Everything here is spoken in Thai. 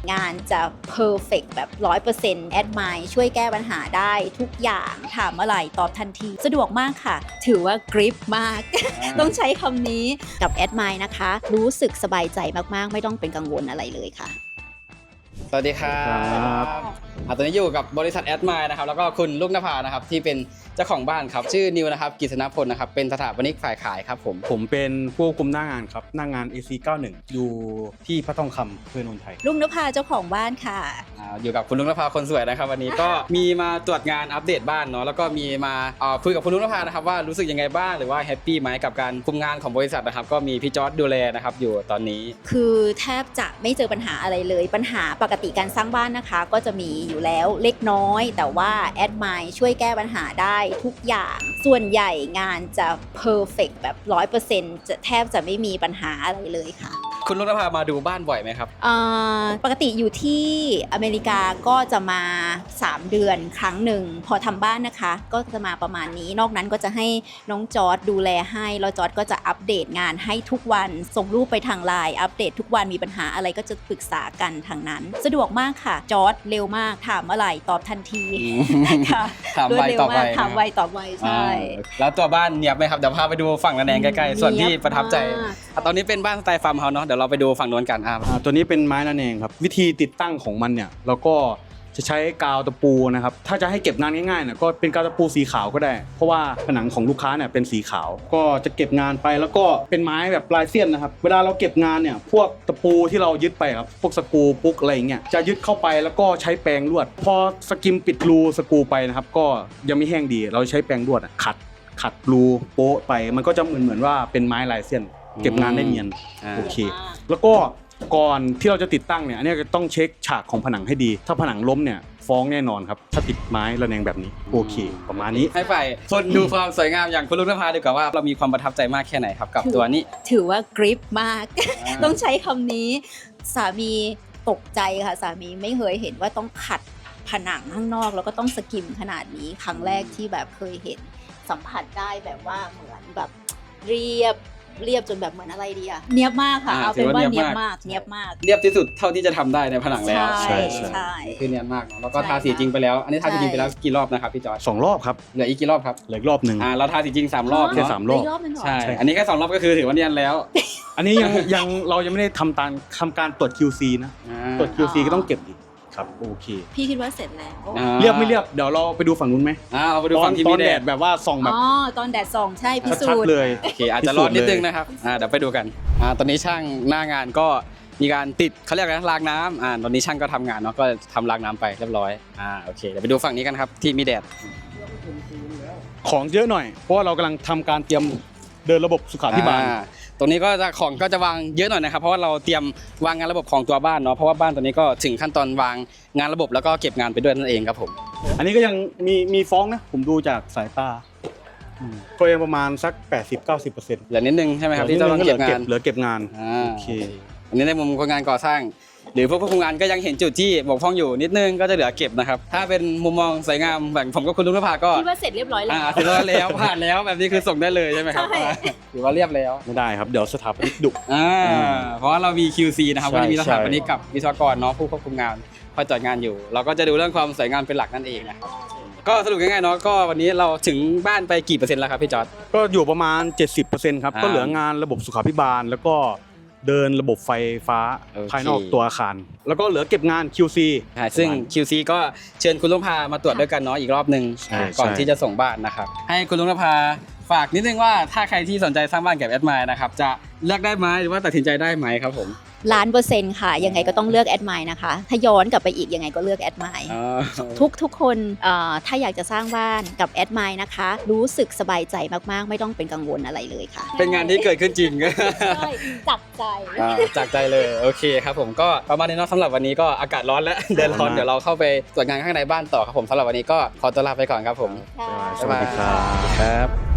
งานจะ perfect แบบ 100% แอดไมล์ช่วยแก้ปัญหาได้ทุกอย่างถามอะไรตอบทันทีสะดวกมากค่ะถือว่ากริปมาก ต้องใช้คำนี้กับแอดไมล์นะคะรู้สึกสบายใจมากๆไม่ต้องเป็นกังวลอะไรเลยค่ะสวัสดีครับตอนนี้อยู่กับบริษัทแอดไมล์นะครับแล้วก็คุณลูกนภานะครับที่เป็นเจ้าของบ้านครับชื่อนิวนะครับกฤษณพลนะครับเป็นสถาปนิกฝ่ายขายครับผมเป็นผู้คุมหน้างานครับหน้างาน AC91 อยู่ที่พระทองคำเพื่อนนนทไทยลุงนภาเจ้าของบ้านค่ะอยู่กับคุณลุงนภาคนสวยนะครับวันนี้ก็มีมาตรวจงานอัปเดตบ้านเนาะแล้วก็มีมาคุยกับคุณลุงนภานะครับว่ารู้สึกยังไงบ้างหรือว่าแฮปปี้ไหมกับการคุมงานของบริษัทนะครับก็มีพี่จอร์จดูแลนะครับอยู่ตอนนี้คือแทบจะไม่เจอปัญหาอะไรเลยปัญหาปกติการสร้างบ้านนะคะก็จะมีอยู่แล้วเล็กน้อยแต่ว่าแอดไมล์ช่วยแก้ปัญหาได้ทุกอย่างส่วนใหญ่งานจะ perfect แบบ 100% จะแทบจะไม่มีปัญหาอะไรเลยค่ะคุณลุงนภามาดูบ้านบ่อยไหมครับปกติอยู่ที่อเมริกาก็จะมา3เดือนครั้งหนึ่งพอทำบ้านนะคะก็จะมาประมาณนี้นอกนั้นก็จะให้น้องจอร์จดูแลให้แล้วจอร์จก็จะอัปเดตงานให้ทุกวันส่งรูปไปทางไลน์อัปเดตทุกวันมีปัญหาอะไรก็จะปรึกษากันทางนั้นสะดวกมากค่ะจอร์จเร็วมากถามอะไรตอบทันทีค่ะถามไวตอบไวถามไวตอบไวใช่แล้วตัวบ้านเนียบไหมครับเดี๋ยวพาไปดูฝั่งระแนงใกล้ๆส่วนที่ประทับใจตอนนี้เป็นบ้านสไตล์ฟาร์มเฮาส์เนาะเดี๋ยวเราไปดูฝั่งโน้นกันตัวนี้เป็นไม้ระแนงครับวิธีติดตั้งของมันเนี่ยเราก็จะใช้กาวตะปูนะครับถ้าจะให้เก็บงานง่ายๆเนี่ยก็เป็นกาวตะปูสีขาวก็ได้เพราะว่าผนังของลูกค้าเนี่ยเป็นสีขาวก็จะเก็บงานไปแล้วก็เป็นไม้แบบปลายเสี้ยนนะครับเวลาเราเก็บงานเนี่ยพวกตะปูที่เรายึดไปครับพวกสกรูปุ๊กอะไรอย่างเงี้ยจะยึดเข้าไปแล้วก็ใช้แปรงลวดพอสกิมปิดรูสกรูไปนะครับก็ยังไม่แห้งดีเราใช้แปรงลวดขัดรูโป๊ะไปมันก็จะเหมือนว่าเป็นไม้ลายเส้นเก็บงานได้เนียนโอเคแล้วก็ก่อนที่เราจะติดตั้งเนี่ยอันนี้ต้องเช็คฉากของผนังให้ดีถ้าผนังล้มเนี่ยฟ้องแน่นอนครับถ้าติดไม้ระแนงแบบนี้โอเคประมาณนี้ให้ไปคนดูความสวยงามอย่างคุณลุงนภาดีกว่าว่าเรามีความประทับใจมากแค่ไหนครับกับตัวนี้ถือว่ากริปมากต้องใช้คำนี้สามีตกใจค่ะสามีไม่เคยเห็นว่าต้องขัดผนังข้างนอกแล้วก็ต้องสกิมขนาดนี้ครั้งแรกที่แบบเคยเห็นสัมผัสได้แบบว่าเหมือนแบบเรียบจนแบบเหมือนอะไรดีอะเนียบมากค่ะเอาเป็นว่าเนียบมากเรียบที่สุดเท่าที่จะทำได้ในผนังแล้วใช่คือเนียนมากเนาะแล้วก็ทาสีจริงไปแล้วอันนี้ทาสีจริงไปแล้วกี่รอบนะครับพี่จอร์จ 2 รอบครับเหลืออีกกี่รอบครับเหลืออีกรอบนึงเราทาสีจริง3 รอบแค่3 รอบใช่อันนี้แค่2 รอบก็คือถือว่าเนียนแล้วอันนี้ยังเรายังไม่ได้ทำการตรวจ QC นะตรวจ QC ก็ต้องเก็บอีกครับโอเคพี่คิดว่าเสร็จแล้วเรียบไม่เรียบเดี๋ยวเราไปดูฝั่งนู้นไหมเราไปดูฝั่งที่มีแดดแบบว่าส่องแบบตอนแดดส่องใช่พิสูจน์เลยโอเคอาจจะร้อนนิดนึงนะครับเดี๋ยวไปดูกันตอนนี้ช่างหน้างานก็มีการติดเขาเรียกอะไรรางน้ำตอนนี้ช่างก็ทำงานเนาะก็ทำรางน้ำไปเรียบร้อยโอเคเดี๋ยวไปดูฝั่งนี้กันครับที่มีแดดของเยอะหน่อยเพราะว่าเรากำลังทำการเตรียมเดินระบบสุขาภิบาลตรงนี้ก็จะของก็จะวางเยอะหน่อยนะครับเพราะว่าเราเตรียมวางงานระบบของตัวบ้านเนาะเพราะว่าบ้านตัวนี้ก็ถึงขั้นตอนวางงานระบบแล้วก็เก็บงานไปด้วยนั่นเองครับผมอันนี้ก็ยังมีฟ้องนะผมดูจากสายตาก็ยังประมาณสัก 80-90% เหลือนิดนึงใช่ไหมครับที่ต้องเก็บงานเหลือเก็บงานโอเคอันนี้ในมุมคนงานก่อสร้างหรือพวกผู้คุมงานก็ยังเห็นจุดที่บกพร่องอยู่นิดนึงก็จะเหลือเก็บนะครับถ้าเป็นมุมมองสวยงามแบบผมกับคุณลุงนภาก็คิดว่าเสร็จเรียบร้อยแล้วเสร็จแล้วผ่านแล้วแบบนี้คือส่งได้เลยใช่ไหมครับถือว่าเรียบแล้วไม่ได้ครับเดี๋ยวสถาปนิกดุเพราะว่าเรามี QC นะครับก็จะมีสถาปนิกกับวิศวกรเนาะผู้ควบคุมงานคอยตรวจงานอยู่เราก็จะดูเรื่องความสวยงามเป็นหลักนั่นเองนะครับก็สรุปง่ายๆเนาะก็วันนี้เราถึงบ้านไปกี่เปอร์เซ็นต์แล้วครับพี่จอร์จก็อยู่ประมาณ 70%ครับก็เหลืองานระบบสุขาภิบาลแล้วก็เดินระบบไฟฟ้าภายนอกตัวอาคารแล้วก็เหลือเก็บงาน QC ซึ่ง QC ก็เชิญคุณลุงนภามาตรวจด้วยกันเนาะอีกรอบนึงก่อนที่จะส่งบ้านนะครับให้คุณลุงนภาฝากนิดนึงว่าถ้าใครที่สนใจสร้างบ้านกับแอดไมล์นะครับจะเลือกได้ไหมหรือว่าตัดสินใจได้ไหมครับผม 1,000,000%ค่ะยังไงก็ต้องเลือกแอดไมล์นะคะถ้าย้อนกลับไปอีกยังไงก็เลือกแอดไมล์ทุกคนถ้าอยากจะสร้างบ้านกับแอดไมล์นะคะรู้สึกสบายใจมากๆไม่ต้องเป็นกังวลอะไรเลยค่ะเป็นงานที่เกิดขึ้นจริงใช่จากใจเลยโอเคครับผมก็ประมาณนี้เนาะสำหรับวันนี้ก็อากาศร้อนแล้วเดินร้อนเดี๋ยวเราเข้าไปตรวจงานข้างในบ้านต่อครับผมสำหรับวันนี้ก็ขอตัวลาไปก่อนครับผมสวัสดีครับ